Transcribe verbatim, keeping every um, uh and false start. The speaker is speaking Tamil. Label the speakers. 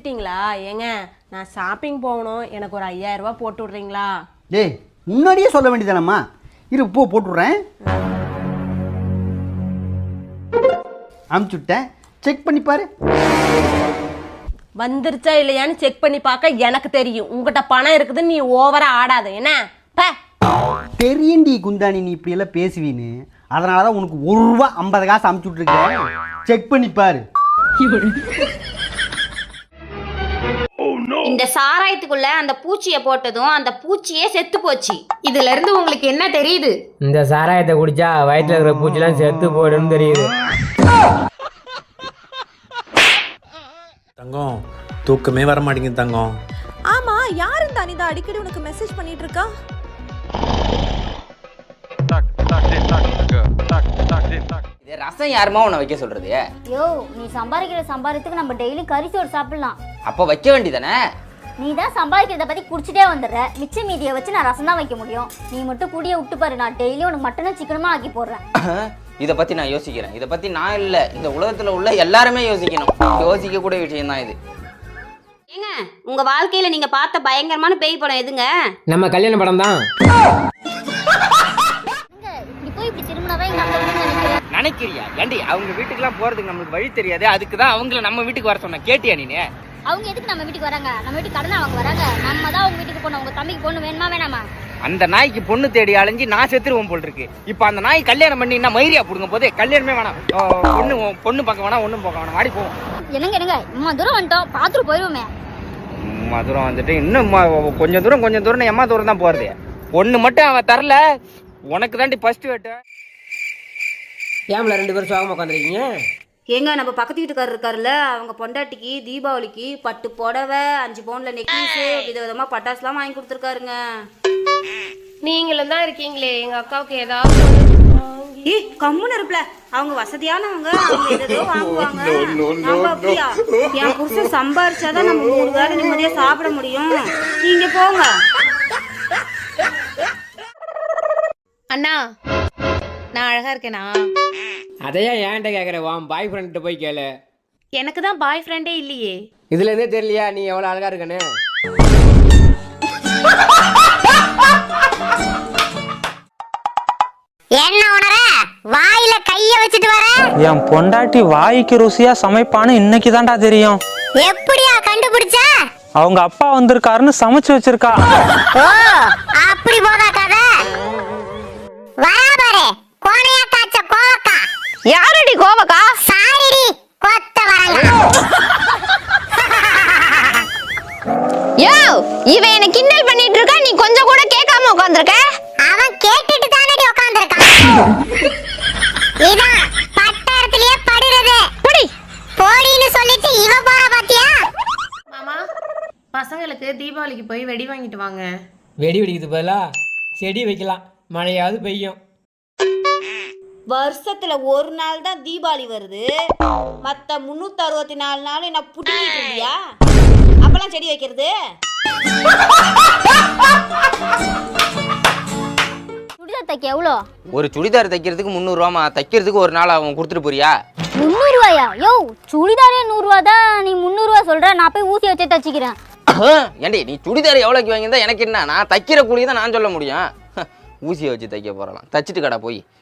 Speaker 1: வந்துட்டீங்களா? ஏங்க நான் ஷாப்பிங் போகணும், எனக்கு ஒரு ஐயாயிரம் ரூபாய் போட்டு விட்றீங்களா?
Speaker 2: டேய் முன்னாடியே சொல்ல வேண்டியதானம்மா. இரு போ போட்டுவிட்றேன். அமுச்சுட்டேன், செக் பண்ணி பாரு.
Speaker 1: வந்துருச்சா இல்லையான்னு செக் பண்ணி பார்க்க எனக்கு தெரியும். உங்ககிட்ட பணம் இருக்குதுன்னு நீ ஓவரா ஆடாத என்ன?
Speaker 2: தெரியுண்டி குந்தாணி, நீ இப்படி எல்லாம் பேசுவீன்னு. அதனால தான் உனக்கு ஒரு ரூபா ஐம்பது காசு அமுச்சு விட்ருக்கேன். செக் பண்ணி பாரு.
Speaker 3: இந்த சாராயத்துக்குள்ள அந்த பூச்சியை போட்டதும் அந்த பூச்சியே செத்து போச்சு. இதுல இருந்து உங்களுக்கு என்ன தெரியுது?
Speaker 4: இந்த சாராயத்தை குடிச்சா வயிற்றுல இருக்கிற பூச்சிலாம் செத்து போயிடும்னு தெரியுது.
Speaker 5: தங்கம் தூக்கமே வர மாட்டேங்குது தங்கம்.
Speaker 6: ஆமா, யார் இந்த அனிதா அடிக்கடி உனக்கு மெசேஜ் பண்ணிட்டு இருக்கா?
Speaker 7: இது ரசம் யாருமா உன்னை வைக்க சொல்றது?
Speaker 8: யோ, நீ சம்பாதிக்கிற சம்பாதித்துக்கு நம்ம டெய்லி கறிச்சோறு சாப்பிடலாம்.
Speaker 7: அப்போ வைக்க வேண்டியதானே?
Speaker 8: நீ தான் சம்பாதிக்கிறத பத்தி குடிச்சிட்டே வந்துடுற. மிச்ச மீதியை வச்சு நான் ரசம் தான் வைக்க முடியும். நீ மட்டும் கூடிய விட்டு பாரு, நான் டெய்லி உனக்கு மட்டனும் சிக்கனுமா ஆக்கி போடுறேன்.
Speaker 7: இதை பத்தி நான் யோசிக்கிறேன். இதை பத்தி நான் இல்ல, இந்த உலகத்துல உள்ள எல்லாருமே யோசிக்கணும். யோசிக்க கூடிய விஷயம் தான் இது.
Speaker 3: ஏங்க, உங்க வாழ்க்கையில நீங்க பார்த்த பயங்கரமான பேய் படம் எதுங்க?
Speaker 4: நம்ம கல்யாண படம் தான்.
Speaker 8: இப்படி போய் இப்படி திரும்பினாதான் எங்க அம்மா நினைக்கிறேன்.
Speaker 7: நினைக்கிறியா? ஏண்டி அவங்க வீட்டுக்குலாம் போறதுக்கு நம்மளுக்கு வழி தெரியாது. அதுக்கு தான் அவங்கள நம்ம வீட்டுக்கு வர சொன்ன. கேட்டியா நீ?
Speaker 8: அவங்க எதுக்கு நம்ம வீட்டுக்கு வராங்க? நம்ம வீட்டுக்கு கடனை அவங்க வராங்க. நம்ம தான் அவங்க வீட்டுக்கு போனோம். உங்க தம்பிக்கு பொண்ணு வேணுமா வேணாமா?
Speaker 7: அந்த நாய்க்கு பொண்ணு தேடி அலைஞ்சி நான் செத்துருவோம் போல் இருக்கு. இப்போ அந்த நாய் கல்யாணம் பண்ணி என்ன மயிரியா போடுங்க போதே. கல்யாணமே வேணாம், பொண்ணு பொண்ணு பார்க்க வேணாம், ஒன்றும் பார்க்க வேணாம். வாடி போவோம்.
Speaker 8: என்னங்க என்னங்க, இம்மா தூரம் வந்துட்டோம், பார்த்துட்டு போயிடுவோமே.
Speaker 7: இம்மா தூரம் வந்துட்டு இன்னும் கொஞ்சம் தூரம் கொஞ்சம் தூரம் எம்மா தூரம் தான் போறது. ஒன்று மட்டும் அவன் தரல, உனக்கு தாண்டி ஃபர்ஸ்ட் வெட்டு.
Speaker 4: ஏம்ல ரெண்டு பேரும் சோகமா உட்காந்துருக்கீங்க?
Speaker 3: ஏங்க, நம்ம பக்கத்து வீட்டுக்காரர் இருக்காருல்ல, அவங்க பொண்டாட்டிக்கு தீபாவளிக்கு பட்டு புடவை, அஞ்சு பவுன்ல நெக்லஸ், விதவிதமா பட்டாசுலாம் வாங்கி கொடுத்துருக்காருங்க.
Speaker 1: நீங்களும் தான் இருக்கீங்களே, எங்க அக்காவுக்கு ஏதாவது
Speaker 3: ஏ கம்முன்னு இருப்பல. அவங்க வசதியானவங்க, அவங்க எதோ வாங்குவாங்க. நம்ம அப்படியா? என் புருஷன் சம்பாரிச்சாதான் நம்ம மூணு வேளை நிம்மதியா சாப்பிட முடியும். நீங்க போங்க.
Speaker 6: அண்ணா, நான் அழகா இருக்கேனா?
Speaker 4: அதையா ஏன்ட்ட கேட்குற? உன் பாய் ஃப்ரெண்ட்ட போய் கேளு.
Speaker 6: எனக்கு தான் பாய் ஃப்ரெண்டே இல்லையே.
Speaker 4: இதுல இருந்தே தெரியலையா நீ எவ்வளவு அழகா இருக்கன்னு?
Speaker 8: என்ன உணர வாயில கைய வச்சிட்டு வர?
Speaker 9: என் பொண்டாட்டி வாய்க்கு ருசியா சமைப்பான்னு இன்னைக்கு தான்டா தெரியும்.
Speaker 8: எப்படியா கண்டுபிடிச்ச?
Speaker 9: அவங்க அப்பா வந்திருக்காருன்னு சமைச்சு வச்சிருக்கா.
Speaker 8: ஓ, அப்படி போதா கதை. வராபாரே கோணையா காச்ச கோவக்கா.
Speaker 6: யாரடி கோவக்கா?
Speaker 8: சாரிடி கொத்த வரங்க.
Speaker 6: யோ, இவன் என்ன கிண்டல் பண்ணிட்டு இருக்கா, நீ கொஞ்சம் கூட கேட்காம உட்கார்ந்திருக்க.
Speaker 8: அவன் கேட்டுட்டு தானடி உட்கார்ந்திருக்கான். இதான் பட்டறதுலயே படுறது.
Speaker 6: படி
Speaker 8: போடின்னு சொல்லிட்டு இவ போற பாத்தியா?
Speaker 1: மாமா, பசங்களுக்கு தீபாவளிக்கு போய் வெடி வாங்கிட்டு வாங்க.
Speaker 4: வெடி வெடிக்குது பதிலா செடி வைக்கலாம், மழையாவது பெய்யும்.
Speaker 3: வருஷத்துல ஒரு நாள் தான் தீபாவளி வருது. மத்த முன்னூத்தி அறுபத்தி நாலு நாள் என்ன புட்டிட்டு இருந்தியா? அப்பெல்லாம் செடி வைக்கிறது.
Speaker 8: சுடிதார் தைக்க எவ்வளோ?
Speaker 7: ஒரு சுடிதார் தைக்கிறதுக்கு முந்நூறு ரூபாமா. தைக்கிறதுக்கு ஒரு நாள் அவன் கொடுத்துட்டு போறியா?
Speaker 8: முந்நூறு ரூபாயா? யோ, சுடிதாரே நூறு ரூபா தான், நீ முந்நூறு ரூபா சொல்ற. நான் போய் ஊசி வச்சே தச்சுக்கிறேன்.
Speaker 7: ஏண்டி நீ சுடிதார் எவ்வளோக்கு வாங்கியிருந்தா எனக்கு என்ன? நான் தைக்கிற கூலி தான் நான் சொல்ல முடியும். ஊசியை வச்சு தைக்க போறலாம். தச்சுட்டு கடை போய்